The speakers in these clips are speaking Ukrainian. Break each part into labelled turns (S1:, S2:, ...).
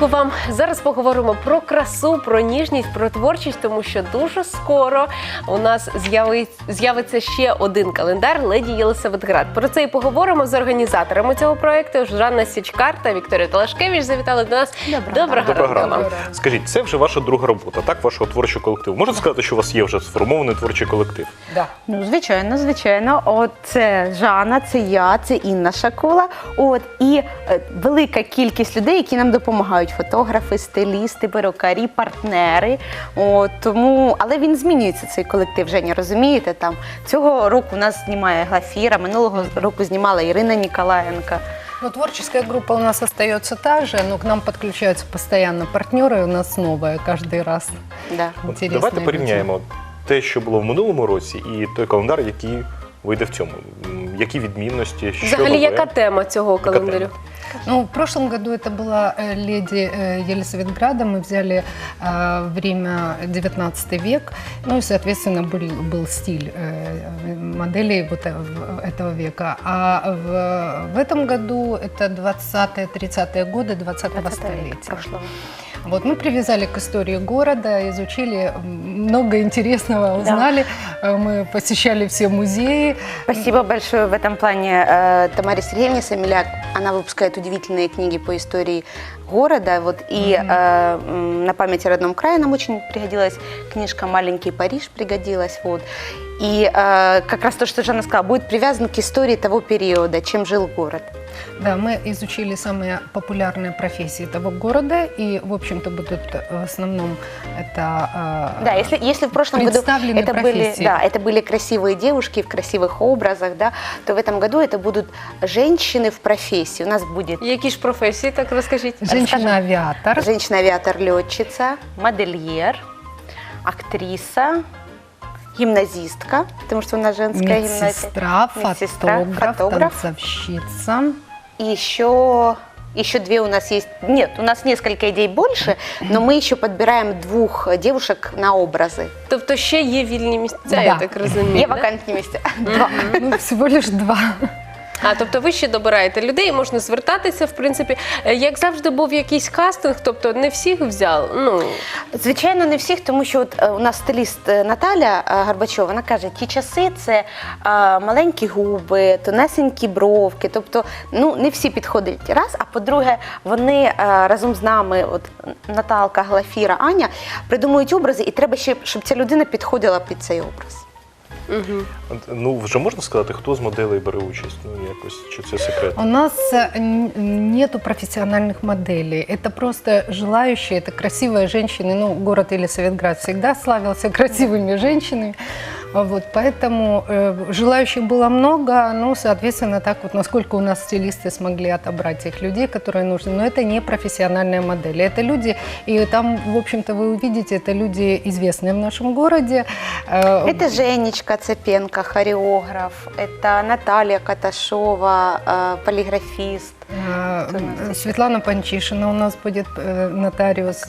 S1: ранку вам. Зараз поговоримо про красу, про ніжність, про творчість, тому що дуже скоро у нас з'явиться ще один календар «Леді Єлисаветград». Про це і поговоримо з організаторами цього проєкту. Жанна Січкар та Вікторія Талашкевич завітали до нас. Доброго ранку вам.
S2: Скажіть, це вже ваша друга робота, так, вашого творчого колективу? Можна сказати, що у вас є вже сформований творчий колектив?
S3: Да. Ну, звичайно. От це Жанна, це я, це Інна Шакула. От і велика кількість людей, які нам допомагають: фотографи, стилісти, перукарі, партнери. От тому, але він змінюється, цей колектив. Женя, розумієте? Там цього року у нас знімає Глафіра, минулого року знімала Ірина Ніколаєнка.
S4: Ну, творческая группа у нас остается та же, но к нам подключаются постоянно партнеры, у нас новые каждый раз.
S3: Да.
S4: Интересные
S2: Давайте
S4: люди.
S2: порівняємо те, що було в минулому році, і той календар, який вийде в цьому. Які відмінності, що
S1: Взагалі,
S2: нове?
S1: яка тема цього
S2: Яка
S1: календарю?
S2: тема?
S4: Ну, в прошлом году это была «Леди Елисаветграда». Мы взяли время 19 век, ну и, соответственно, был стиль моделей вот этого века. А в этом году это 20-30-е годы 20-го столетия. Вот, мы привязали к истории города, изучили много интересного, узнали. Да. Мы посещали все музеи.
S3: Спасибо большое в этом плане Тамаре Сергеевне Самиляк. Она выпускает удивительные книги по истории города. Вот, и на память о родном крае нам очень пригодилась книжка «Маленький Париж», пригодилась. Вот. И как раз то, что Жанна сказала, будет привязан к истории того периода, чем жил город.
S4: Да, мы изучили самые популярные профессии того города, и, в общем-то, будут в основном это
S3: да, если в прошлом году это были красивые девушки в красивых образах, да, то в этом году это будут женщины в профессии. У нас будет...
S1: Які ж професії, так розкажіть?
S4: Женщина-авиатор.
S3: Женщина-авиатор-летчица, модельер, актриса, гимназистка, потому что у нас женская
S4: медсестра, фотограф, танцовщица.
S3: И еще две у нас есть. Нет, у нас несколько идей больше, но мы еще подбираем 2 девушек на образы.
S1: Тобто ще є вільні місця, я так розумію.
S3: Є вакантні місця. 2.
S4: Ну, всего лишь 2.
S1: А, тобто ви ще добираєте людей, можна звертатися, в принципі. Як завжди був якийсь кастинг, тобто не всіх взяли? Ну.
S3: Звичайно, не всіх, тому що от у нас стиліст Наталя Горбачова, вона каже, ті часи – це маленькі губи, тонесенькі бровки, тобто ну, не всі підходять раз, а по-друге, вони разом з нами, от Наталка, Глафіра, Аня, придумують образи, і треба ще, щоб ця людина підходила під цей образ.
S1: Угу.
S2: Ну, вже можна сказати, хто з моделей бере участь? Ну, якось, чи це секрет?
S4: У нас нету профессиональных моделей. Это просто желающие, это красивые женщины. Ну, город Елисаветград всегда славился красивыми женщинами. Вот, поэтому желающих было много, ну, соответственно, так вот, насколько у нас стилисты смогли отобрать тех людей, которые нужны. Но это не профессиональные модели, это люди, и там, в общем-то, вы увидите, это люди известные в нашем городе.
S3: Это Женечка Цепенко, хореограф, это Наталья Каташова, полиграфист.
S4: Светлана Панчишина у нас будет, нотариус.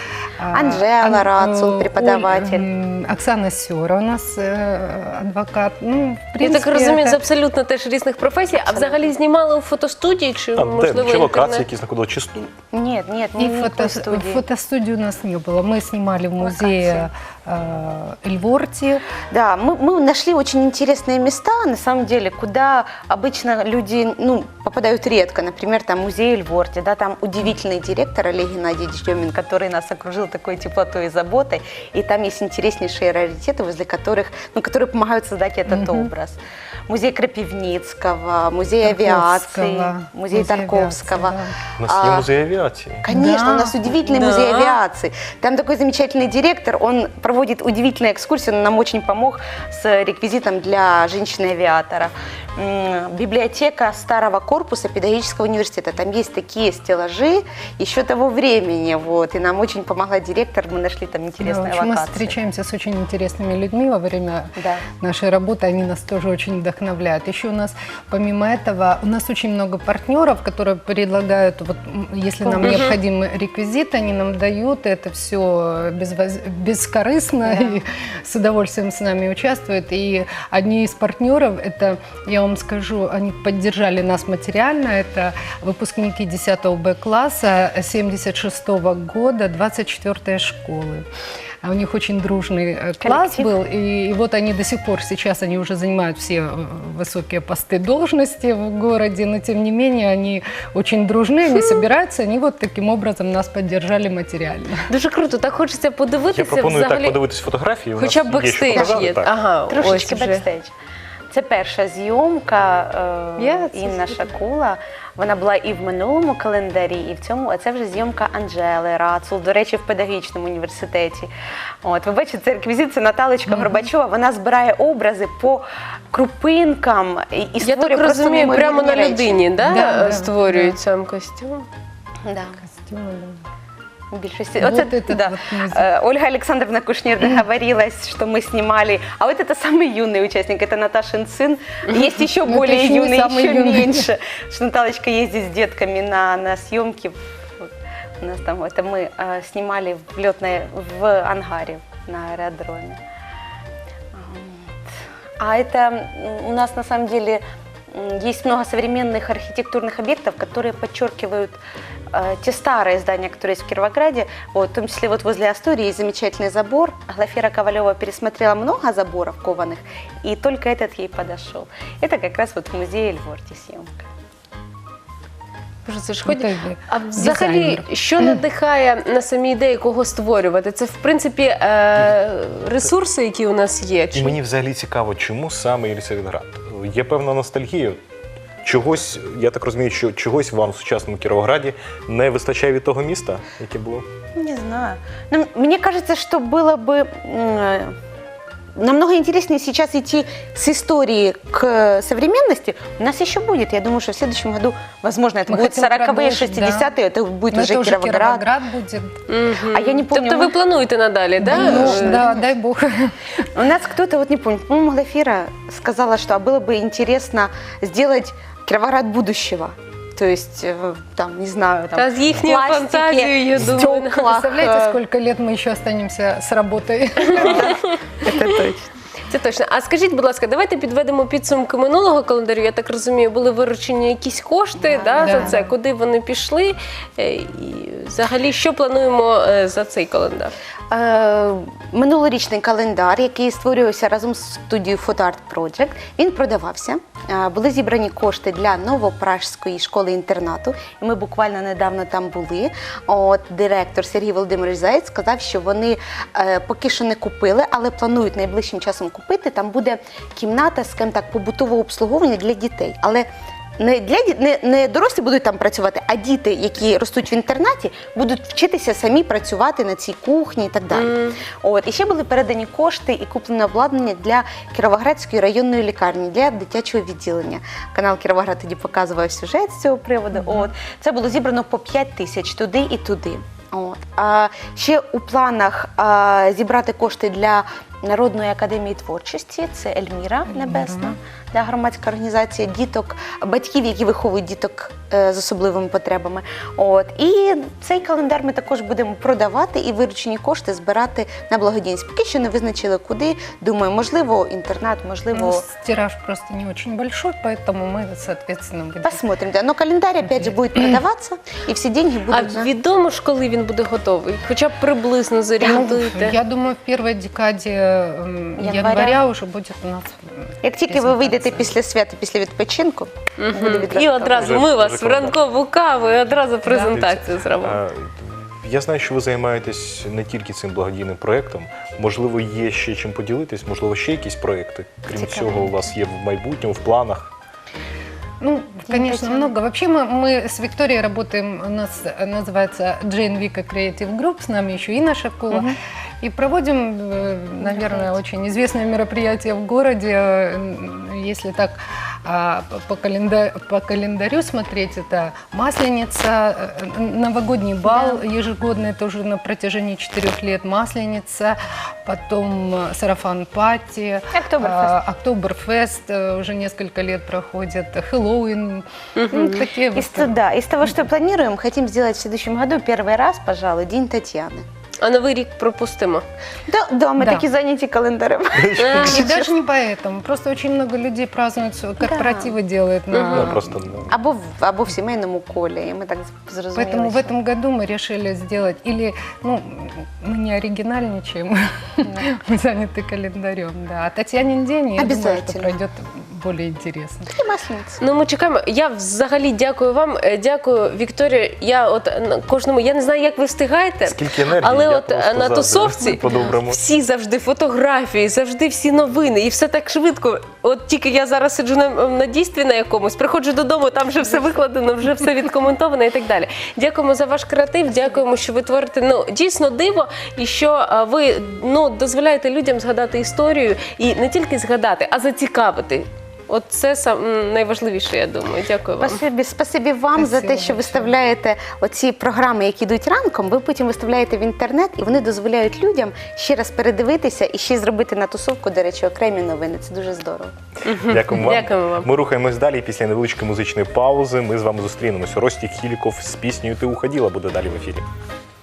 S3: Анжела Рацул, преподаватель.
S4: Оксана Сёра у нас адвокат. Ну, в принципе,
S1: я так розумію, з абсолютно теж різних професій. А взагалі знімали у фотостудії чи, можливо,
S2: чи локації,
S1: інтернет?
S2: які знаходили, чи
S3: Нет, не фотостудии.
S4: Фотостудии у нас не было. Мы снимали в музее Эльворти.
S3: Да, мы нашли очень интересные места, на самом деле, куда обычно люди попадают редко. Например, там музей Эльворти, да, там удивительный директор Олег Геннадьевич Демин, который нас окружил такой теплотой и заботой. И там есть интереснейшие раритеты, возле которых, которые помогают создать этот образ. Музей Крапивницкого, музей авиации, музей Тарковского.
S4: Да.
S2: У нас є музей авіації.
S3: Конечно, у нас удивительный музей авиации. Там такой замечательный директор, он проводит удивительные экскурсии, он нам очень помог с реквизитом для женщины-авиатора. Библиотека старого корпуса педагогического университета. Там есть такие стеллажи еще того времени. Вот, и нам очень помогла директор, мы нашли там интересные локации.
S4: Мы встречаемся с очень интересными людьми во время нашей работы, они нас тоже очень вдохновляют. вдохновляют. Еще у нас, помимо этого, у нас очень много партнеров, которые предлагают, вот, если нам необходимы реквизиты, они нам дают, это все бескорыстно, и с удовольствием с нами участвуют. И одни из партнеров, это, я вам скажу, они поддержали нас материально, это выпускники 10 Б-класса 76 года, 24-й школы. А у них очень дружный класс
S3: Коллектив.
S4: был, и вот они до сих пор, сейчас они уже занимают все высокие посты должности в городе, но тем не менее они очень дружны, они собираются, они вот таким образом нас поддержали материально.
S1: Дуже круто, так хочеться
S2: Я
S1: подивитися
S2: пропоную так
S1: взагалі.
S2: подивитись фотографії. У
S1: Хоча б
S2: нас є що
S1: бекстейдж
S2: показати,
S1: є.
S2: так.
S1: Ага,
S3: Трошечки
S1: ось вже.
S3: бекстейдж. Це перша зйомка
S1: Це
S3: Інна
S1: супер.
S3: Шакула. Вона була і в минулому календарі, і в цьому. А це вже зйомка Анжели Рацул, до речі, в педагогічному університеті. От, ви бачите, це реквізит, це Наталочка Горбачова. Вона збирає образи по крупинкам і
S1: Я
S3: створює
S1: так
S3: просто
S1: розумію, прямо на
S3: неймовірні речі.
S1: людині, да,
S4: Да,
S1: створюють сам костюм.
S3: Да.
S4: Костюмы, да.
S3: В більшості.
S4: Вот
S3: Оце,
S4: этот
S3: да.
S4: вот музей.
S3: Ольга Александровна Кушнир договорилась, что мы снимали. А вот это самый юный участник, это Наташин сын. Есть еще
S4: Ну, это
S3: более
S4: еще не
S3: юный,
S4: самый
S3: еще
S4: юный.
S3: меньше. Что Наталочка ездит с детками на съемки. Вот. У нас там это мы снимали в ангаре на аэродроме. Вот. А это у нас на самом деле есть много современных архитектурных объектов, которые подчеркивают те старые здания, которые есть в Кировограде. Вот, в том числе вот возле Астории есть замечательный забор. Глафира Ковалева пересмотрела много заборов кованых, и только этот ей подошел. Это как раз вот в музее Эльворти съемка.
S1: Боже, це ж
S4: Ну,
S1: хоч...
S4: так би,
S1: А взагалі,
S4: дизайнер.
S1: що надихає на самі ідеї, кого створювати? Це, в принципі, ресурси, які у нас є?
S2: І мені взагалі цікаво, чому саме Єлисаветград? Є певна ностальгія. Чогось, я так розумію, що чогось вам в сучасному Кіровограді не вистачає від того міста, яке було?
S3: Не знаю. Ну, мне кажется, что было бы намного интереснее сейчас идти с истории к современности. У нас еще будет. Я думаю, что в следующем году, возможно, это
S4: Мы
S3: будут
S4: хотим
S3: 40-е,
S4: продолжить,
S3: 60-е, это будет
S4: Но
S3: уже
S4: это уже
S3: Кировоград.
S4: Кировоград будет.
S3: А я не помню,
S1: Тобто ви плануєте надалі, да?
S4: Ну, да, дай бог.
S3: у нас кто-то, вот не помню, по-моему, Глафира сказала, что было бы интересно сделать Кировоград будущего. То есть, там, не знаю, там,
S1: Та з їхньою
S3: пластике,
S1: фантазією, я думаю.
S3: стеклах.
S4: Представляете, сколько лет мы еще останемся с работой?
S3: Это точно.
S1: Це точно. А скажіть, будь ласка, давайте підведемо підсумки минулого календарю. Я так розумію, були виручені якісь кошти
S3: Да,
S1: за
S4: да.
S1: це, куди вони пішли? І взагалі, що плануємо за цей календар?
S3: Минулорічний календар, який створювався разом з студією Photo Art Project, він продавався. Були зібрані кошти для Новопражської школи-інтернату. І ми буквально недавно там були. От директор Сергій Володимирович Заєць сказав, що вони поки що не купили, але планують найближчим часом купити. Там буде кімната, скажімо так, побутового обслуговування для дітей. Але не дорослі будуть там працювати, а діти, які ростуть в інтернаті, будуть вчитися самі працювати на цій кухні і так далі. От. І ще були передані кошти і куплене обладнання для Кіровоградської районної лікарні, для дитячого відділення. Канал Кіровоград тоді показував сюжет з цього приводу. От. Це було зібрано по 5 тисяч туди і туди. От. А ще у планах зібрати кошти для Народної академії творчості, це Ельміра Небесна, да, громадська організація діток, батьків, які виховують діток з особливими потребами. От. І цей календар ми також будемо продавати і виручені кошти збирати на благодійність. Поки що не визначили куди. Думаю, можливо, інтернат, можливо...
S4: Ну, тираж просто не очень большой, поэтому мы, соответственно, будем...
S3: Посмотрим, да. Но календарь, опять же, будет продаваться, и все деньги
S1: А
S3: будут...
S1: відомо ж, коли він буде готовий? Хоча б приблизно зорієнтуйте.
S4: Я думаю, в первой декаде января уже будет у нас...
S3: Як тільки ви вийдете після свята, після відпочинку, буде відразу.
S1: І одразу
S2: Вже
S1: ми вас в
S2: рекомендую.
S1: ранкову каву і одразу презентацію зробимо.
S2: Я знаю, що ви займаєтесь не тільки цим благодійним проєктом. Можливо, є ще чим поділитись, можливо, ще якісь проєкти. Крім
S3: Цікаво.
S2: цього, у вас є в майбутньому, в планах.
S4: Ну, конечно, много. Вообще мы с Викторией работаем, у нас называется Jane Vika Creative Group, с нами еще Инна Шакула. И проводим, наверное, очень известное мероприятие в городе, если так по календарю смотреть, это Масленица, новогодний бал ежегодный, тоже на протяжении 4 лет Масленица, потом Сарафан-пати, Октоберфест уже несколько лет проходит, Хэллоуин, ну, такие вот.
S3: Да, из того, что планируем, хотим сделать в следующем году первый раз, пожалуй, День Татьяны.
S1: А Новий рік пропустимо.
S3: Да, мы
S4: Да.
S3: такие заняты календарем.
S4: И даже не поэтому, просто очень много людей празднуют, корпоративы делают
S2: Ну, просто ну,
S3: Або в сімейному колі, і ми так зрозуміли.
S4: Поэтому в
S3: що-
S4: этом году мы решили сделать, или, ну, мы не оригинальничаем, мы заняты календарем, да. А Татьянин день, я думаю, что
S3: Обязательно.
S4: пройдет более интересно.
S3: І Маслениця.
S1: Ну, ми чекаємо. Я взагалі дякую вам. Дякую, Вікторія. Я от кожному, я не знаю, як ви встигаєте,
S2: скільки енергії,
S1: але
S2: я
S1: от
S2: просто
S1: на
S2: заздрю.
S1: тусовці
S2: По-доброму.
S1: всі завжди фотографії, завжди всі новини, і все так швидко. От тільки я зараз сиджу на дійстві на якомусь, приходжу додому, там вже все викладено, вже все відкоментовано і так далі. Дякуємо за ваш креатив, дякуємо, що ви творите дійсно диво, і що ви дозволяєте людям згадати історію, і не тільки згадати, а зацікавити. От це найважливіше, я думаю. Дякую вам.
S3: Спасибі вам за те,
S4: Спасибо
S3: що
S4: большое.
S3: виставляєте оці програми, які йдуть ранком, ви потім виставляєте в інтернет, і вони дозволяють людям ще раз передивитися і ще зробити на тусовку, до речі, окремі новини. Це дуже здорово.
S2: Дякуємо вам.
S1: Дякуємо вам.
S2: Ми рухаємось далі. Після невеличкої музичної паузи ми з вами зустрінемося. Ростік Хіліков з піснею «Ти уходила» буде далі в ефірі.